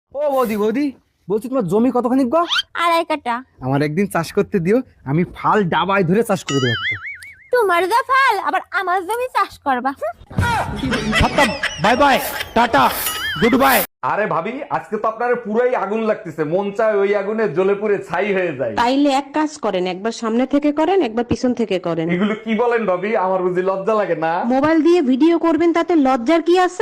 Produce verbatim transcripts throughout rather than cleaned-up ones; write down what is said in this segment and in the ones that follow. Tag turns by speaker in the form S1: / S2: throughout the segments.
S1: ও বৌদি বৌদি বলছি তোমার জমি কতখানি গো?
S2: আড়াই কাটা।
S1: আমার একদিন চাষ করতে দিও, আমি ফাল ডাবায় ধরে চাষ করে দেবো।
S2: তোমার যা ফাল আবার আমার জমি চাষ করবা।
S1: Bye bye tata good bye.
S3: আরে ভাবি, আজকে তো আপনার পুরাই আগুন লাগতেছে, মন চায় ওই আগুনে জ্বলে পুড়ে ছাই হয়ে যায়।
S4: তাইলে এক কাজ করেন, একবার সামনে থেকে করেন, একবার পিছন থেকে করেন।
S3: এগুলো কি বলেন ভাবি? আমার বুঝি লজ্জা লাগে না?
S4: মোবাইল দিয়ে ভিডিও করবেন, তাতে লজ্জার কি আছে?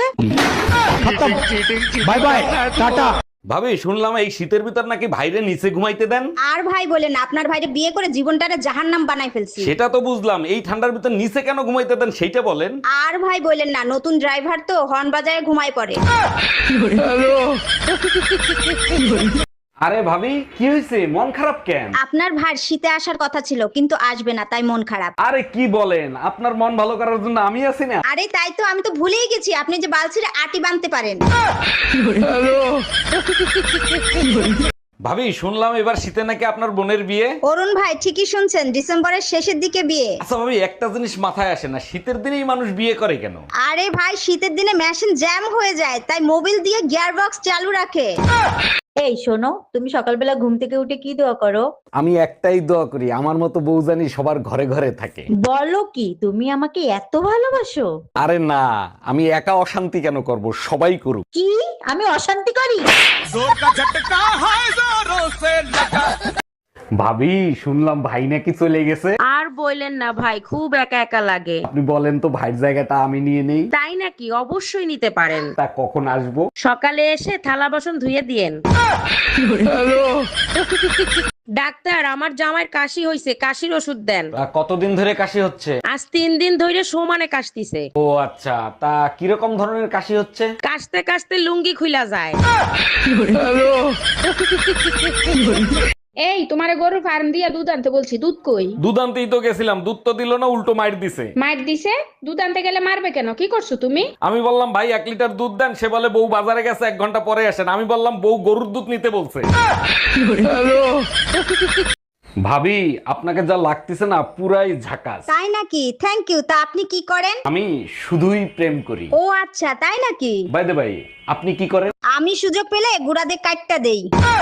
S1: Bye bye tata.
S3: ভাবি, শুনলাম এই শীতের ভিতর নাকি ভাইরে নিচে ঘুমাইতে দেন।
S5: আর ভাই বলেন, আপনার ভাইরে বিয়ে করে জীবনটারে জাহান্নাম বানাই ফেলছি।
S3: সেটা তো বুঝলাম, এই ঠান্ডার ভিতর নিচে কেন ঘুমাইতে দেন সেইটা বলেন।
S5: আর ভাই বলেন না, নতুন ড্রাইভার তো হর্ন বাজায় ঘুমায় পড়ে।
S3: আরে ভাবি, কি হয়েছে? মন খারাপ কেন?
S5: আপনার ভাই শীতে আসার কথা ছিল, কিন্তু আসবে না, তাই মন খারাপ।
S3: আরে কি বলেন, আপনার মন ভালো করার জন্য আমি আছি না।
S5: আরে তাই তো, আমি তো ভুলেই গেছি আপনি যে বালছিরে আটি বানতে পারেন।
S3: ভাবি, শুনলাম এবার শীতে নাকি আপনার বোনের বিয়ে।
S5: অরুণ ভাই ঠিকই শুনছেন, ডিসেম্বরের শেষের দিকে বিয়ে।
S3: আচ্ছা ভাবি, একটা জিনিস মাথায় আসে না, শীতের দিনেই মানুষ বিয়ে করে কেন?
S5: আরে ভাই, শীতের দিনে মেশিন জ্যাম হয়ে যায়, তাই মোবিল দিয়ে গিয়ার বক্স চালু রাখে।
S2: এই শোনো, তুমি সকালবেলা ঘুম থেকে উঠে কি দোয়া করো?
S3: আমি একটাই দোয়া করি, আমার মতো বউ জানি সবার ঘরে ঘরে থাকে।
S2: বলো কি, তুমি আমাকে এত ভালোবাসো?
S3: আরে না, আমি একা অশান্তি কেন করব, সবাই করুক।
S2: কি আমি অশান্তি করি?
S3: ভাবি, শুনলাম ভাই নাকি চলে গেছে।
S4: আর বললেন না ভাই, খুব একা একা লাগে।
S3: আপনি বলেন তো ভাইয়ের জায়গাটা আমি নিয়ে নেই।
S4: তাই নাকি? অবশ্যই নিতে পারেন।
S3: তা কখন আসবো?
S4: সকালে এসে থালা বাসন ধুয়ে দিয়েন। ডাক্তার, আমার জামাইয়ের কাশি হইছে, কাশির ওষুধ দেন।
S3: তা কতদিন ধরে কাশি হচ্ছে?
S4: আজ তিন দিন ধরে সমানে কাশতিছে।
S3: ও আচ্ছা, তা কিরকম ধরনের কাশি হচ্ছে?
S4: কাশতে কাশতে লুঙ্গি খুইলা যায়।
S6: এই তোমারে গরুর ফার্ম দিয়া দুধ আনতে বলছি, দুধ কই?
S3: দুধ আনতেই তো গেছিলাম, দুধ তো দিল না, উল্টো মাইর দিছে।
S6: মার দিছে? দুধ আনতে গেলে মারবে কেন? কি করছো তুমি?
S3: আমি বললাম ভাই এক লিটার দুধ দেন, সে বলে বউ বাজারে গেছে, এক ঘন্টা পরে আসেন। আমি বললাম বউ গরুর দুধ নিতে বলছে। ভাবি, আপনাকে যা লাগতেছে না পুরাই ঝাকাস।
S5: তাই নাকি? Thank you. তা আপনি কি করেন?
S3: আমি শুধুই প্রেম করি।
S5: ও আচ্ছা, তাই নাকি?
S3: বাই দ্য ভাই, আপনি কি করেন?
S5: আমি সুযোগ পেলে গুড়াদের কাটটা দেই।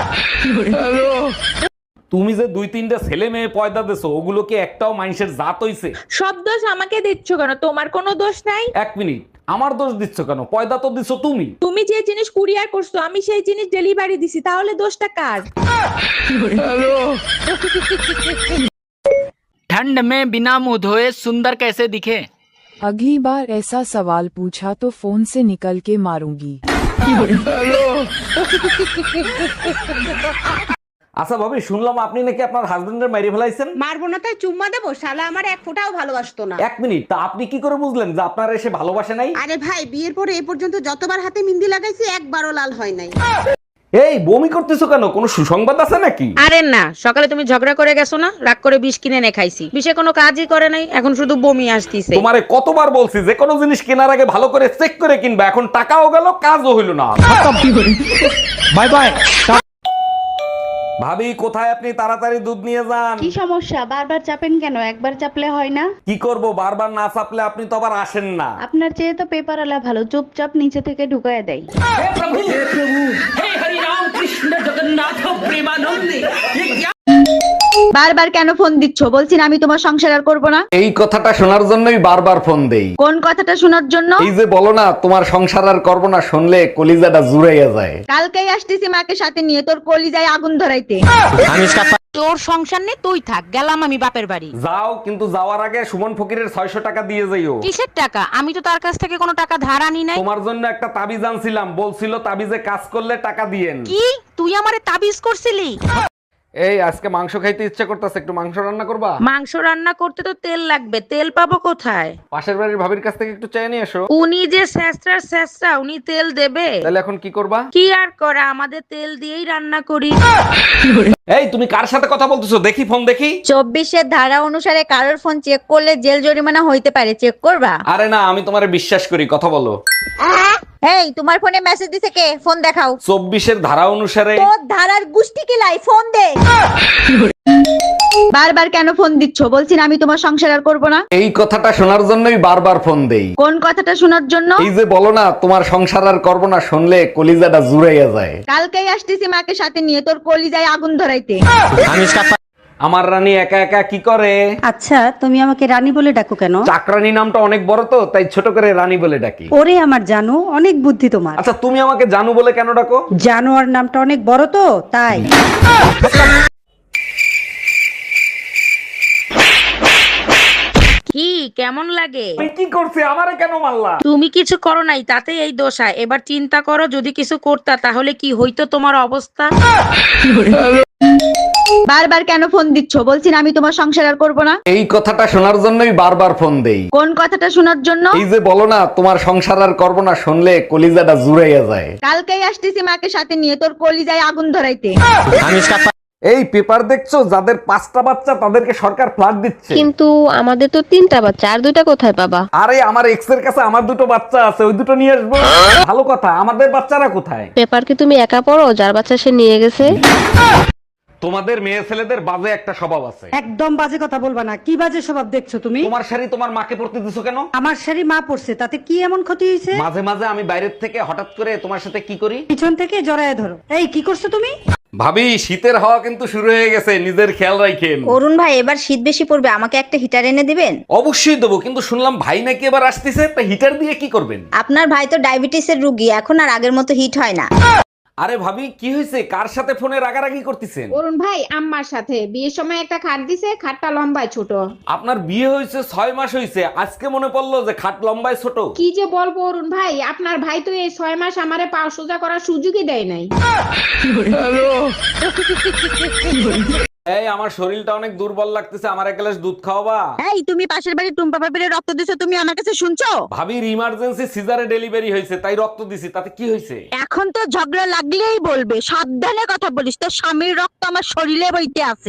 S3: তুমি যে দুই তিনটা ছেলে মেয়ে পয়দা দেছো, ওগুলো কি একটাও মানুষের জাত হইছে?
S7: সব দোষ আমাকে দিচ্ছ কেন? তোমার কোনো দোষ নাই।
S3: এক মিনিট, আমার দোষ দিচ্ছ কেন? পয়দা তো দিছো তুমি।
S7: তুমি যে জিনিস কুরিয়ার করছো, আমি সেই জিনিস ডেলিভারি দিছি, তাহলে দোষটা কার?
S8: ठंड में बिना मुंह धोए सुंदर कैसे दिखे?
S9: अगली बार ऐसा सवाल पूछा तो फोन से निकल के मारूंगी।
S3: আচ্ছা ভাবি, শুনলাম আপনি নাকি আপনার হাজবেন্ডের মাইরে ফেলাইছেন।
S4: মারবো না তাই চুম্মা দেবো? শালা আমার এক ফোঁটাও ভালোবাসতো না।
S3: এক মিনিট, তা আপনি কি করে বুঝলেন যে আপনার এসে ভালোবাসে নাই?
S4: আরে ভাই, বিয়ের পরে এ পর্যন্ত যতবার হাতে মিন্দি লাগাইছি, একবারও লাল হয় নাই।
S3: এই বমি করতেছো কেন? কোনো সুসংবাদ আছে নাকি?
S4: আরে না, সকালে তুমি ঝগড়া করে গেছো না, রাগ করে বিষ কিনে এনে খাইছি, বিষে কোনো কাজই করে নাই, এখন শুধু বমি আসতিছে।
S3: তোমারে কতবার বলছি যে কোনো জিনিস কেনার আগে ভালো করে চেক করে কিনবা, এখন টাকাও গেল, কাজও হইল না।
S1: Bye bye.
S3: ভাবি, কোথায় আপনি? তাড়াতাড়ি দুধ নিয়ে যান।
S6: কি সমস্যা? বারবার চাপেন কেন? একবার চাপলে হয় না?
S3: কি করব, বারবার না চাপলে আপনি তো আবার আসেন না।
S6: আপনার চেয়ে তো পেপার আলা ভালো, চুপচাপ নিচে থেকে ঢুকায় দেয়।
S2: বারবার কেন ফোন দিচ্ছ? বলছি না আমি তোমার সংসার আর করবো না।
S3: এই কথাটা শোনার জন্যই বারবার ফোন দেই।
S2: কোন কথাটা শোনার জন্য?
S3: এই যে বলো না তোমার সংসার আর করবো না, শুনলে কলিজাটা জুড়াইয়া যায়।
S2: কালকেই আসতেছি মাকে সাথে নিয়ে, তোর কলিজায় আগুন ধরাইতে।
S4: তোর সংসার নেই, তুই থাক, গেলাম আমি বাপের বাড়ি।
S3: যাও, কিন্তু যাওয়ার আগে সুমন ফকিরের ছয়শো টাকা দিয়ে যাইও।
S4: কিসের টাকা? আমি তো তার কাছ থেকে কোনো টাকা ধার আনি নাই।
S3: তোমার জন্য একটা তাবিজ আনছিলাম, বলছিল তাবিজে কাজ করলে টাকা দিয়েন।
S4: কি তুই আমারে তাবিজ করছিলি?
S3: এই আজকে মাংস খাইতে ইচ্ছা করতেছে, একটু মাংস রান্না করবা?
S4: মাংস রান্না করতে তো তেল লাগবে, তেল পাবো কোথায়?
S3: পাশের বাড়ির ভাবির কাছ থেকে একটু চেয়ে নিয়ে এসো।
S4: উনি যে শেষরা শেষরা, উনি তেল দেবে?
S3: তাহলে এখন কি করবা?
S4: কি আর করা, আমাদের তেল দিয়েই রান্না করি।
S3: এই তুমি কার সাথে কথা বলতেছো? দেখি ফোন দেখি।
S2: চব্বিশের ধারা অনুসারে কারোর ফোন চেক করলে জেল জরিমানা হইতে পারে, চেক করবা?
S3: আরে না, আমি তোমারে বিশ্বাস করি, কথা বলো।
S2: এই তোমার ফোনে মেসেজ দিছে কে? ফোন দেখাও।
S3: চব্বিশের ধারা অনুসারে।
S2: তোর ধারার গুষ্টি কিলাই, ফোন দে। বারবার কেন ফোন দিচ্ছ? বলছি না আমি তোমার সংসার আর করবো না।
S3: এই কথাটা শোনার জন্যই বারবার ফোন দেই।
S2: কোন কথাটা শোনার জন্য?
S3: এই যে বলো না তোমার সংসার আর করবো না, শুনলে কলিজাটা জুড়াইয়া যায়।
S2: কালকেই আসতেছি মাকে সাথে নিয়ে তোর কলিজায় আগুন ধরাইতে।
S3: আমার রানী একা একা কি করে?
S10: আচ্ছা তুমি আমাকে রানী বলে ডাকো কেন?
S3: চাকরানী নামটা অনেক বড় তো, তাই ছোট করে রানী বলে ডাকি।
S10: ওরে আমার জানো, অনেক বুদ্ধি তোমার।
S3: আচ্ছা তুমি আমাকে জানু বলে কেন ডাকো?
S10: জানোয়ার নামটা অনেক বড় তো তাই।
S4: কি কেমন লাগে?
S3: আমি কি করছি? আমারে কেন মারলা?
S4: তুমি কিছু করো নাই, তাতে এই দোষা। এবার চিন্তা করো, যদি কিছু করতা তাহলে কি হইতো তোমার অবস্থা।
S2: বারবার কেন ফোন দিচ্ছ? বলছি না আমি তোমার সংসার আর করবো না।
S3: এই কথাটা শোনার জন্যই বারবার ফোন দেই।
S2: কোন কথাটা শোনার জন্য?
S3: এই যে বলো না তোমার সংসার আর করবো না, শুনলে কলিজাটা জুড়াইয়া যায়।
S2: কালকেই আসতেছি মাকে সাথে নিয়ে তোর কলিজায় আগুন ধরাইতে।
S3: এই পেপার দেখছো, যাদের পাঁচটা বাচ্চা তাদেরকে সরকার ফ্ল্যাট দিচ্ছে।
S11: কিন্তু আমাদের তো তিনটা বাচ্চা, আর দুইটা কোথায় পাবা?
S3: আরে আমার এক্স এর কাছে আমার দুটো বাচ্চা আছে, ওই দুটো নিয়ে আসবো। ভালো কথা, আমাদের বাচ্চারা কোথায়?
S11: পেপার কি তুমি একা পড়ো? যার বাচ্চা সে নিয়ে গেছে।
S3: তোমাদের মেয়ে ছেলেদের বাজে একটা স্বভাব আছে।
S10: একদম বাজে কথা বলবা না। কি বাজে স্বভাব দেখছো তুমি?
S3: তোমার শাড়ি তোমার মাকে পরতে দিছো কেন?
S10: আমার শাড়ি মা পড়ছে, তাতে কি এমন ক্ষতি হয়েছে?
S3: মাঝে মাঝে আমি বাইরের থেকে হঠাৎ করে তোমার সাথে কি করি,
S10: পিছন থেকে জড়ায় ধরো। এই কি করছো তুমি?
S3: ভাবি শীতের হাওয়া কিন্তু শুরু হয়ে গেছে, নিজের খেয়াল রাখেন।
S5: অরুণ ভাই এবার শীত বেশি পড়বে, আমাকে একটা হিটার এনে দিবেন?
S3: অবশ্যই দেবো, কিন্তু শুনলাম ভাই নাকি এবার আসতেছে, তা হিটার দিয়ে কি করবেন?
S5: আপনার ভাই তো ডায়াবেটিসের রুগী, এখন আর আগের মতো হিট হয় না।
S3: আরে ভাবি কি হয়েছে? কার সাথে ফোনে রাগারাগি করতেছেন?
S7: অরুণ ভাই আম্মার সাথে বিয়ের সময় একটা খাট দিছে, খাটটা লম্বায় ছোট।
S3: আপনার বিয়ে হয়েছে ছয় মাস হয়েছে, আজকে মনে পড়লো যে খাট লম্বায় ছোট।
S7: কি যে বলবো অরুণ ভাই, আপনার ভাই তো এই ছয় মাস আমারে পা সোজা করার সুযোগই দেয় নাই।
S3: এই আমার শরীরটা অনেক দুর্বল লাগতেছে, আমার এক গ্লাস দুধ খাওয়াবা?
S2: এই তুমি পাশের বাড়ি টুম্পা পাপিরে রক্ত দিছো, তুমি আমার কাছে শুনছো?
S3: ভাবির ইমার্জেন্সি সিজারে ডেলিভারি হয়েছে, তাই রক্ত দিছি, তাতে কি হয়েছে?
S2: এখন তো ঝগড়া লাগলেই বলবে, সাবধানে কথা বলিস, তোর স্বামীর রক্ত আমার শরীরে বইতে আছে।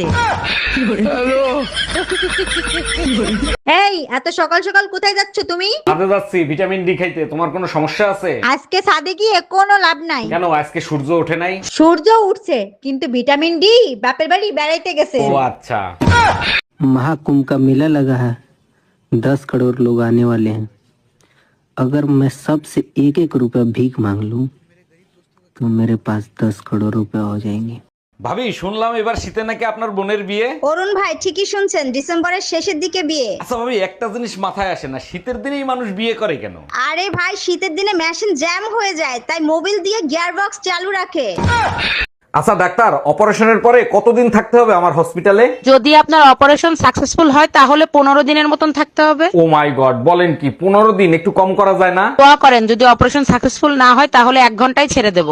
S2: এই এত সকাল সকাল কোথায় যাচ্ছ তুমি?
S3: কাজে যাচ্ছি ভিটামিন ডি খাইতে। তোমার কোনো সমস্যা আছে?
S2: আজকে ছাদে গিয়ে কোনো লাভ নাই।
S3: কেন, আজকে সূর্য ওঠে নাই?
S2: সূর্য উঠছে, কিন্তু ভিটামিন ডি বাপের বাড়ি বেড়াইতে গেছে।
S3: ও আচ্ছা।
S12: महाकुंभ का मेला लगा है, दस करोड़ लोग आने वाले हैं। अगर मैं सबसे एक एक रुपया भीख मांग लूं तो मेरे पास दस करोड़ रुपया हो जाएंगे।
S3: ভাবি শুনলাম এবার শীতে নাকি আপনার বোনের বিয়ে।
S5: অরুণ ভাই ঠিকই শুনছেন, ডিসেম্বরের শেষের দিকে বিয়ে।
S3: আচ্ছা ভাবি একটা জিনিস মাথায় আসে না, শীতের দিনেই মানুষ বিয়ে করে কেন?
S5: আরে ভাই শীতের দিনে মেশিন জ্যাম হয়ে যায়, তাই মোবিল দিয়ে গিয়ার বক্স চালু রাখে।
S3: আচ্ছা ডাক্তার, অপারেশনের পরে কতদিন থাকতে হবে আমার হসপিটালে?
S4: যদি আপনার অপারেশন সাকসেসফুল হয় তাহলে পনেরো দিনের মতন থাকতে হবে।
S3: ও মাই গড, বলেন কি? পনেরো দিন? একটু কম করা যায় না?
S4: দোয়া করেন, যদি অপারেশন সাকসেসফুল না হয় তাহলে এক ঘন্টায় ছেড়ে দেবো।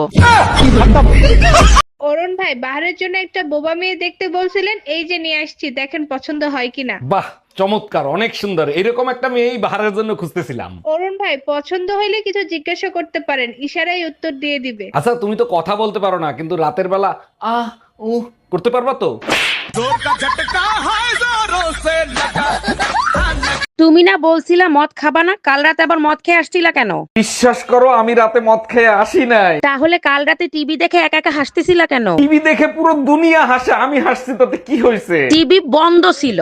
S7: অরুণ ভাই বাহারের জন্য একটা বোবা মেয়ে দেখতে বলছিলেন, এই যে নিয়ে আসছি, দেখেন পছন্দ হয় কিনা।
S3: বাহ চমৎকার, অনেক সুন্দর। এরকম একটা মেয়েই বাহারের জন্য খুঁজতেছিলাম।
S7: অরুণ ভাই পছন্দ হইলে কিছু জিজ্ঞাসা করতে পারেন, ইশারায় উত্তর দিয়ে দিবে।
S3: আচ্ছা তুমি তো কথা বলতে পারো না, কিন্তু রাতের বেলা আহ উ করতে পারবা তো?
S4: তুমি না বলছিলা মদ খাবা না, কাল রাতে আবার মদ খেয়ে আসছিলা কেন?
S3: বিশ্বাস করো আমি রাতে মদ খেয়ে আসি নাই।
S4: তাহলে কাল রাতে টিভি দেখে একা একা হাসতেছিলা কেন?
S3: টিভি দেখে পুরো দুনিয়া হাসে, আমি হাসছি, তাতে কি হয়েছে?
S4: টিভি বন্ধ ছিল।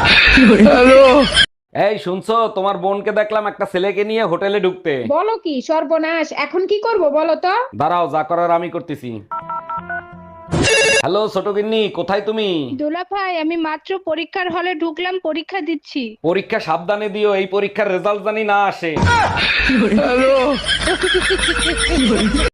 S3: এই শুনছো, তোমার বোনকে দেখলাম একটা ছেলেকে নিয়ে হোটেলে ঢুকতে।
S7: বলো কি সর্বনাশ, এখন কি করব বলো তো?
S3: দাঁড়াও, যা করার আমি করতেছি। হ্যালো ছোট গিন্নি, কোথায় তুমি?
S7: দোলা ভাই আমি মাত্র পরীক্ষার হলে ঢুকলাম, পরীক্ষা দিচ্ছি।
S3: পরীক্ষা সাবধানে দিও, এই পরীক্ষার রেজাল্ট জানি না আসে।